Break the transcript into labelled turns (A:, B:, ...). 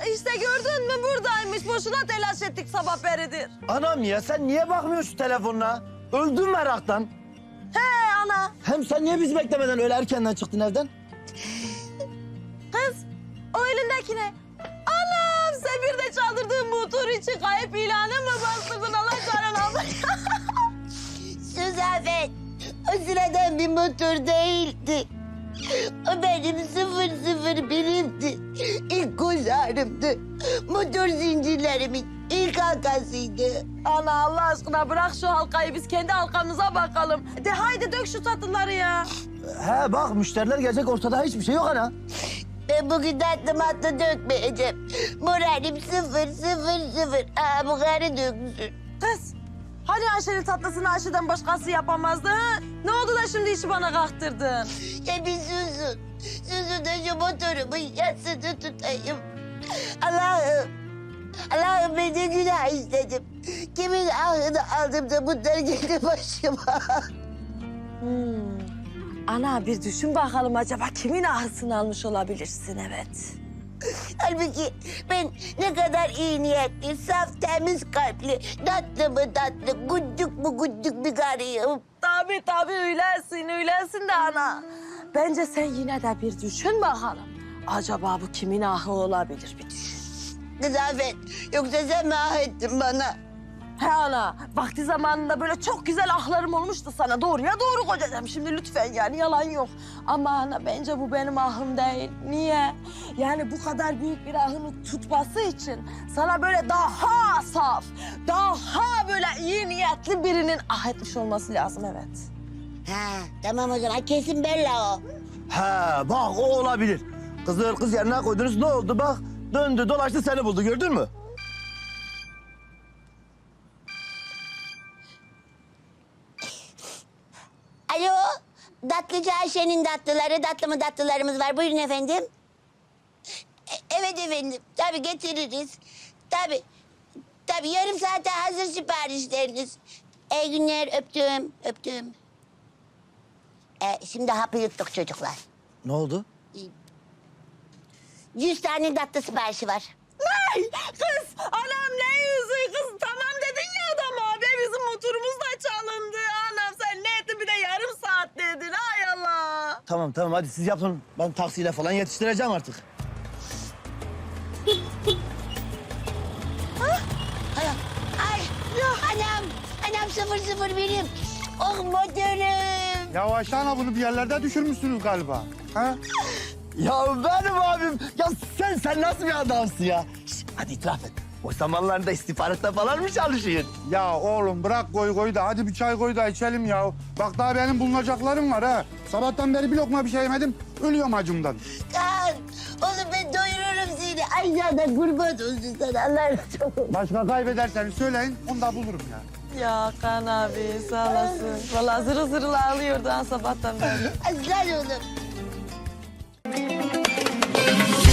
A: işte gördün mü buradaymış. Boşuna telaş ettik sabah beridir.
B: Anam ya sen niye bakmıyorsun şu telefonuna? Öldüm meraktan.
A: He ana.
B: Hem sen niye bizi beklemeden öyle erkenden çıktın evden?
A: Kız o elindeki ne? Anam sen bir de çaldırdığın bu tur için kayıp ilanı mı bastırdın Allah canına?
C: Suzafet, o sıradan bir motor değildi. O benim 001'imdi. İlk göz ağrımdı. Motor zincirlerimin ilk halkasıydı.
A: Ana Allah aşkına bırak şu halkayı biz kendi halkamıza bakalım. De haydi dök şu tatlıları ya.
B: He bak müşteriler gelecek ortada hiçbir şey yok ana.
C: Ben bugün tatlı matlı dökmeyeceğim. Moralim 000. Bu karı döksün.
A: Kız hani Ayşe'nin tatlısını Ayşe'den başkası yapamazdı ha? Ne oldu da şimdi işi bana kalktırdın?
C: Ya bir susun. Susun da şu motorumun yasını tutayım. Allah'ım. Allah'ım ben de günah istedim. Kimin ahını aldım da bunlar geldi başıma.
A: Ana bir düşün bakalım acaba kimin ahısını almış olabilirsin evet.
C: Halbuki ben ne kadar iyi niyetli, saf, temiz kalpli, tatlı mı tatlı, gudduk mu gudduk bir karıyım.
A: Tabii öylesin de ana. Bence sen yine de bir düşün bakalım. Acaba bu kimin ahı olabilir bir düşün.
C: Kızafet, yoksa sen mi ah ettin bana?
A: He ana, vakti zamanında böyle çok güzel ahlarım olmuştu sana. Doğruya doğru kocacığım şimdi lütfen yani yalan yok. Ama ana bence bu benim ahım değil. Niye? Yani bu kadar büyük bir ahını tutması için sana böyle daha saf, daha böyle iyi niyetli birinin ah etmiş olması lazım evet.
C: Ha, tamam o zaman kesin Bella o.
B: He bak o olabilir. Kız yerine koydunuz ne oldu bak. Döndü dolaştı seni buldu gördün mü?
C: Alo, tatlıcı Ayşe'nin tatlıları, tatlı mı tatlılarımız var. Buyurun efendim. Evet efendim, tabii getiririz. Tabii yarım saate hazır siparişleriniz. İyi günler, öptüm. Şimdi hapı yuttuk çocuklar.
B: Ne oldu?
C: 100 tane tatlı siparişi var.
A: Ay kız anam ne yüzü kız tamam dedin ya adama. Be bizim motorumuz da çalındı. Anam sen ne ettin bir de yarım saat dedin ay Allah.
B: Tamam hadi siz yapın. Ben taksiyle falan yetiştireceğim artık.
C: Ay, anam 001'im. Oh motorum.
D: Ya Ayşe ana bunu bir yerlerde düşürmüşsünüz galiba. Ha?
B: Ya benim abim. Ya sen nasıl bir adamsın ya? Şişt, hadi itiraf et. O zamanlarda istihbaratta falan mı çalışıyorsun?
D: Ya oğlum bırak koy da hadi bir çay koy da içelim ya. Bak daha benim bulunacaklarım var ha. Sabahtan beri bir lokma bir şey yemedim. Ölüyorum acımdan.
C: Kaan, oğlum ben doyururum seni. Aşağıda kurban olsun sana. Allah razı olsun.
D: Başka kaybederseniz söyleyin onu da bulurum ya.
A: Ya Kan abi sağ olasın. Vallahi zırıl zırıl ağlıyordu ha sabahtan beri.
C: Aslan oğlum.